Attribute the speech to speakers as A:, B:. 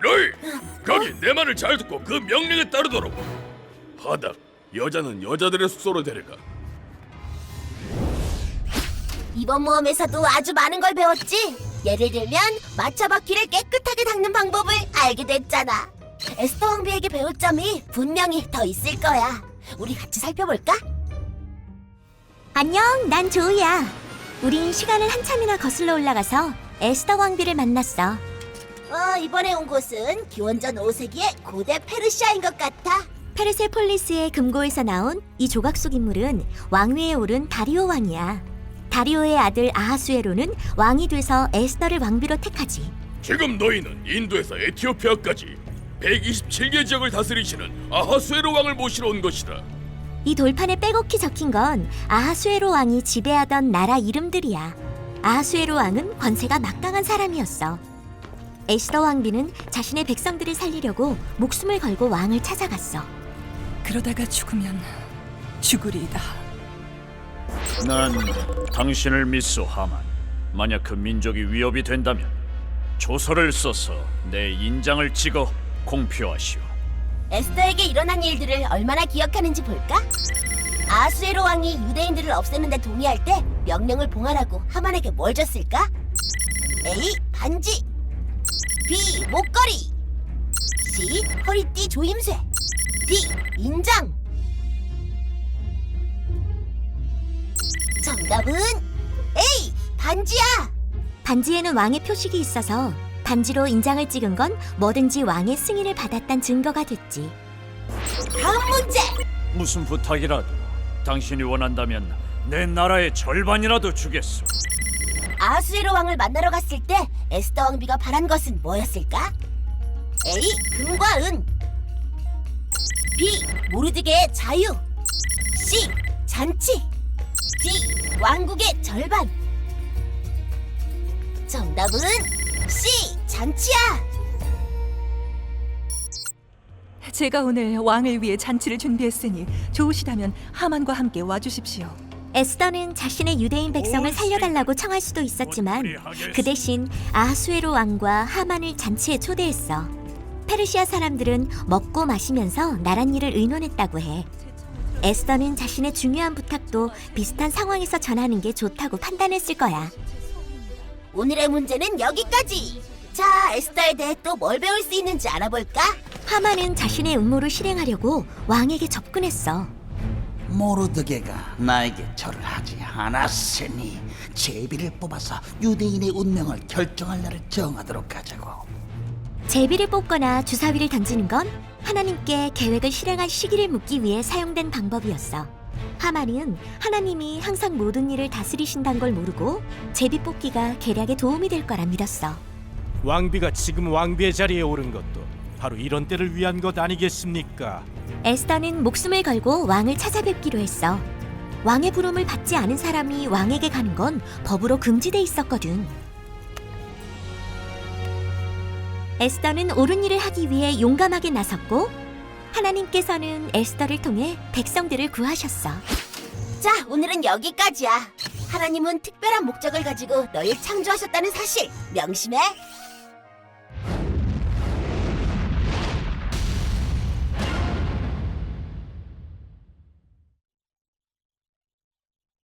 A: 너희 거기 내 말을 잘 듣고 그 명령에 따르도록. 하닥, 여자는 여자들의 숙소로 데려가.
B: 이번 모험에서도 아주 많은 걸 배웠지. 예를 들면 마차 바퀴를 깨끗하게 닦는 방법을 알게 됐잖아. 에스더 왕비에게 배울 점이 분명히 더 있을 거야. 우리 같이 살펴볼까?
C: 안녕, 난 조이야. 우린 시간을 한참이나 거슬러 올라가서 에스더 왕비를 만났어.
B: 이번에 온 곳은 기원전 5세기의 고대 페르시아인 것 같아.
C: 페르세폴리스의 금고에서 나온 이 조각 속 인물은 왕위에 오른 다리오 왕이야. 다리오의 아들 아하수에로는 왕이 돼서 에스더를 왕비로 택하지.
A: 지금 너희는 인도에서 에티오피아까지 127개 지역을 다스리시는 아하수에로 왕을 모시러 온 것이다.
C: 이 돌판에 빼곡히 적힌 건 아하수에로 왕이 지배하던 나라 이름들이야. 아하수에로 왕은 권세가 막강한 사람이었어. 에스더 왕비는 자신의 백성들을 살리려고 목숨을 걸고 왕을 찾아갔어.
D: 그러다가 죽으면 죽으리이다.
E: 난 당신을 믿소, 하만. 만약 그 민족이 위협이 된다면 조서를 써서 내 인장을 찍어 공표하시오.
B: 에스더에게 일어난 일들을 얼마나 기억하는지 볼까? 아하수에로 왕이 유대인들을 없애는 데 동의할 때 명령을 봉하라고 하만에게 뭘 줬을까? A. 반지, B. 목걸이, C. 허리띠 조임쇠, D. 인장. 정답은 A. 반지야.
C: 반지에는 왕의 표식이 있어서 반지로 인장을 찍은 건 뭐든지 왕의 승인을 받았단 증거가 됐지.
B: 다음 문제.
E: 무슨 부탁이라도 당신이 원한다면 내 나라의 절반이라도 주겠소.
B: 아하수에로 왕을 만나러 갔을 때 에스더 왕비가 바란 것은 뭐였을까? A. 금과 은, B. 모르드게의 자유, C. 잔치, D. 왕국의 절반. 정답은 C. 잔치야.
D: 제가 오늘 왕을 위해 잔치를 준비했으니 좋으시다면 하만과 함께 와주십시오.
C: 에스더는 자신의 유대인 백성을 살려달라고 청할 수도 있었지만 그 대신 아하수에로 왕과 하만을 잔치에 초대했어. 페르시아 사람들은 먹고 마시면서 나랏일을 의논했다고 해. 에스더는 자신의 중요한 부탁도 비슷한 상황에서 전하는 게 좋다고 판단했을 거야.
B: 오늘의 문제는 여기까지. 자, 에스더에 대해 또 뭘 배울 수 있는지 알아볼까?
C: 하만은 자신의 음모를 실행하려고 왕에게 접근했어.
F: 모르드게가 나에게 절을 하지 않았으니 제비를 뽑아서 유대인의 운명을 결정할 날을 정하도록 하자고.
C: 제비를 뽑거나 주사위를 던지는 건 하나님께 계획을 실행할 시기를 묻기 위해 사용된 방법이었어. 하만은 하나님이 항상 모든 일을 다스리신다는 걸 모르고 제비 뽑기가 계략에 도움이 될 거라 믿었어.
G: 왕비가 지금 왕비의 자리에 오른 것도 바로 이런 때를 위한 것 아니겠습니까?
C: 에스더는 목숨을 걸고 왕을 찾아뵙기로 했어. 왕의 부름을 받지 않은 사람이 왕에게 가는 건 법으로 금지돼 있었거든. 에스더는 옳은 일을 하기 위해 용감하게 나섰고 하나님께서는 에스더를 통해 백성들을 구하셨어.
B: 자, 오늘은 여기까지야. 하나님은 특별한 목적을 가지고 너희를 창조하셨다는 사실 명심해.